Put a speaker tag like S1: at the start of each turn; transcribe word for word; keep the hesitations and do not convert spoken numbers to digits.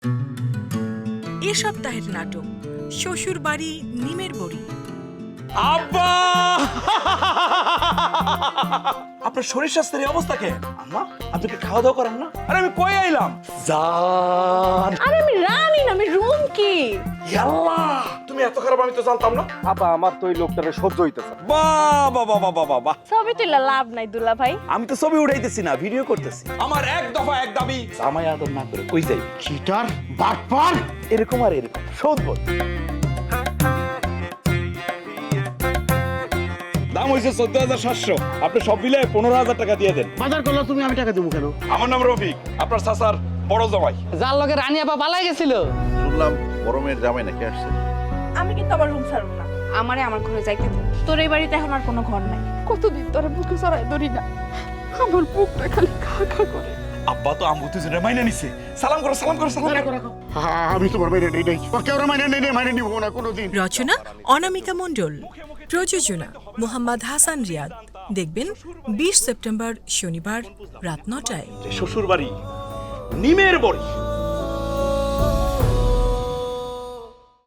S1: এ সপ্তাহের নাটক শ্বশুর বাড়ি নিমের বড়ি।
S2: আব্বা আপনার শরীর স্বাস্থ্যের এই অবস্থা কে? আম্মা আপনি কি খাওয়া দাওয়া করেন না? আরে আমি কই আইলাম জান।
S3: আরে আমি রানী না, আমি রুম কি।
S2: ইয়াল্লা তুমি এত খারাপ আমি তো জানতাম না।
S4: আপা আমার তো ওই লোকটারে সহ্য হইতেছে না।
S2: বাহ বাহ বাহ বাহ বাহ বাহ।
S3: ছবি তুলে লাভ নাই দুলা ভাই।
S2: আমি তো ছবি উঠাইতেছি না, ভিডিও করতেছি। আমার এক দফা এক দাবি, জামাই আদর না করে কই যাই?
S4: চিটার বাটপার
S2: এরকম আর এরকম সৌদবোধ। দাম হয়েছে চোদ্দ হাজার সাতশো, আপনি সব মিলে পনেরো হাজার টাকা দিয়ে দেন।
S4: বাজার করলে তুমি আমি টাকা দেবো কেন?
S2: আমার নাম রফিক, আপনার চাচার বড় জামাই।
S5: যার লগে রানী আপা পালাই গেছিল।
S6: শুনলাম গরমের জামাই নাকি আসছে।
S3: আমি কিন্তু আমার রুম ছাড়ব না, আমারে আমার ঘরে যাইতে দিন। তোর এই বাড়িতে এখন আর কোনো ঘর নাই। কতদিন তোরে বুকে চড়াই ধরি না, আমার বুকটা খালি খা খা করে।
S2: আব্বা তো আম্বুতুজরে মাইনা নিছে। সালাম করো সালাম করো সালাম করো।
S4: আমি তোমার মাইনে নেই নাই, কেউ মাইনে নেই, মাইনে নিব না কোনোদিন।
S1: রচনা অনামিকা মণ্ডল, প্রযোজনা মোহাম্মদ হাসান রিয়াদ। দেখবেন বিশ সেপ্টেম্বর শনিবার রাত নটায়।
S2: শ্বশুর বাড়ি নিমের বড়ি।